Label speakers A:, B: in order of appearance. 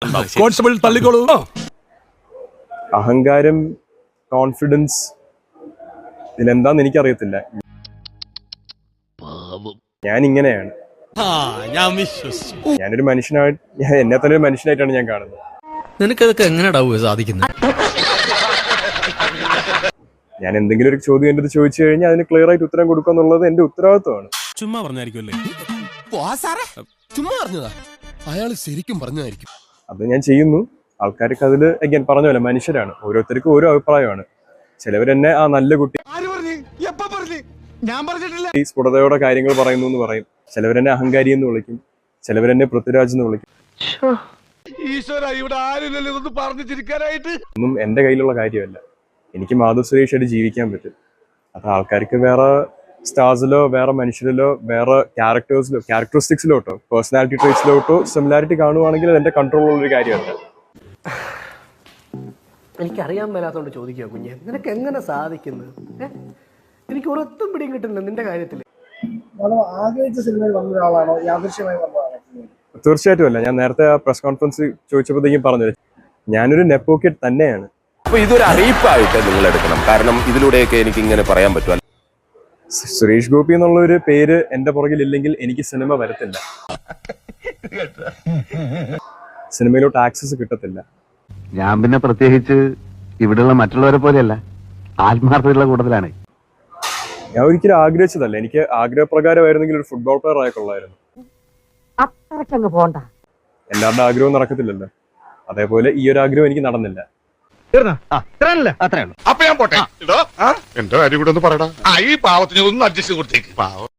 A: Constable തള്ളിക്കോളൂ.
B: അഹങ്കാരം, confidence, ഇതിലെന്താന്ന് എനിക്കറിയത്തില്ല. ഞാൻ ഇങ്ങനെയാണ്. ഞാനൊരു മനുഷ്യനായിട്ട് എന്നെ തന്നെ ഒരു മനുഷ്യനായിട്ടാണ് ഞാൻ കാണുന്നത്.
A: നിനക്കതൊക്കെ എങ്ങനെയാ സാധിക്കുന്നത്?
B: ഞാൻ എന്തെങ്കിലും ഒരു ചോദ്യം എൻ്റെ അടുത്ത് ചോദിച്ചു കഴിഞ്ഞാൽ അതിന് ക്ലിയർ ആയിട്ട് ഉത്തരം കൊടുക്കുക എന്നുള്ളത് എന്റെ ഉത്തരവാദിത്വമാണ്.
C: ചുമ്മാ പറഞ്ഞായിരിക്കുമല്ലേ? ചുമ്മാ പറഞ്ഞതാ, അയാൾ ശരിക്കും പറഞ്ഞതായിരിക്കും.
B: അത് ഞാൻ ചെയ്യുന്നു. ആൾക്കാർക്ക് അതിൽ അഗൈൻ പറഞ്ഞ പോലെ മനുഷ്യരാണ്, ഓരോരുത്തർക്കും ഓരോ അഭിപ്രായമാണ്. ചിലവരെന്നെ ആ നല്ല കുട്ടി ഈ സ്ഫുടതയോടെ കാര്യങ്ങൾ പറയുന്നു എന്ന് പറയും. ചിലവരെന്നെ അഹങ്കാരി എന്ന് വിളിക്കും, ചിലവരെന്നെ പൃഥ്വിരാജ് എന്ന് വിളിക്കും. ഒന്നും എന്റെ കയ്യിലുള്ള കാര്യമല്ല. എനിക്ക് മാധവ് സുരേഷായിട്ട് ജീവിക്കാൻ പറ്റും. അത് ആൾക്കാർക്ക് വേറെ സ്റ്റാർസിലോ വേറെ മനുഷ്യരിലോ വേറെ ക്യാരക്ടറിസ്റ്റിക്സിലോട്ടോ പേഴ്സണാലിറ്റി ട്രേറ്റ്സിലോട്ടോ സിമിലാരിറ്റി കാണുവാണെങ്കിൽ അത് എന്റെ കൺട്രോളുള്ളൊരു കാര്യമല്ല.
D: എനിക്കറിയാൻ മേലാത്തോണ്ട് ചോദിക്കുക കുഞ്ഞെ, നിനക്ക് എങ്ങനെ സാധിക്കുന്നത്? എനിക്ക് ഒരൊത്തും പിടിയും കിട്ടുന്നില്ല നിന്റെ കാര്യത്തിൽ.
B: തീർച്ചയായിട്ടും അല്ല. ഞാൻ നേരത്തെ ആ പ്രസ് കോൺഫറൻസ് ചോദിച്ചപ്പോഴത്തേക്കും പറഞ്ഞത് ഞാനൊരു നെപ്പോക്കറ്റ് തന്നെയാണ്.
E: അപ്പൊ ഇതൊരു അറിയിപ്പായിട്ട് നിങ്ങൾ എടുക്കണം, കാരണം ഇതിലൂടെയൊക്കെ എനിക്ക് ഇങ്ങനെ പറയാൻ പറ്റും.
B: സുരേഷ് ഗോപി എന്നുള്ള ഒരു പേര് എന്റെ പുറകിൽ ഇല്ലെങ്കിൽ എനിക്ക് സിനിമ വരത്തില്ല, സിനിമയിലോട്ട് ആക്സസ് കിട്ടത്തില്ല.
F: ഞാൻ പിന്നെ പ്രത്യേകിച്ച് ഇവിടെയുള്ള മറ്റുള്ളവരെ പോലെയല്ല, ആത്മാർത്ഥതയുള്ള കൂട്ടത്തിലാണ്.
B: ഞാൻ ഒരിക്കലും ആഗ്രഹിച്ചതല്ല. എനിക്ക് ആഗ്രഹപ്രകാരമായിരുന്നെങ്കിൽ ഒരു ഫുട്ബോൾ പ്ലെയർ ആയിക്കൊള്ളായിരുന്നു. എല്ലാവരുടെ ആഗ്രഹവും നടക്കത്തില്ലല്ലോ. അതേപോലെ ഈ ഒരു ആഗ്രഹം എനിക്ക് നടന്നില്ല.
G: അപ്പൊ ഞാൻ പോട്ടെ. എന്റെ കാര്യം കൂടെ ഒന്ന് പറയടാ. ഈ പാവത്തിന് ഒന്ന് അഡ്ജസ്റ്റ് കൊടുത്തേക്ക്.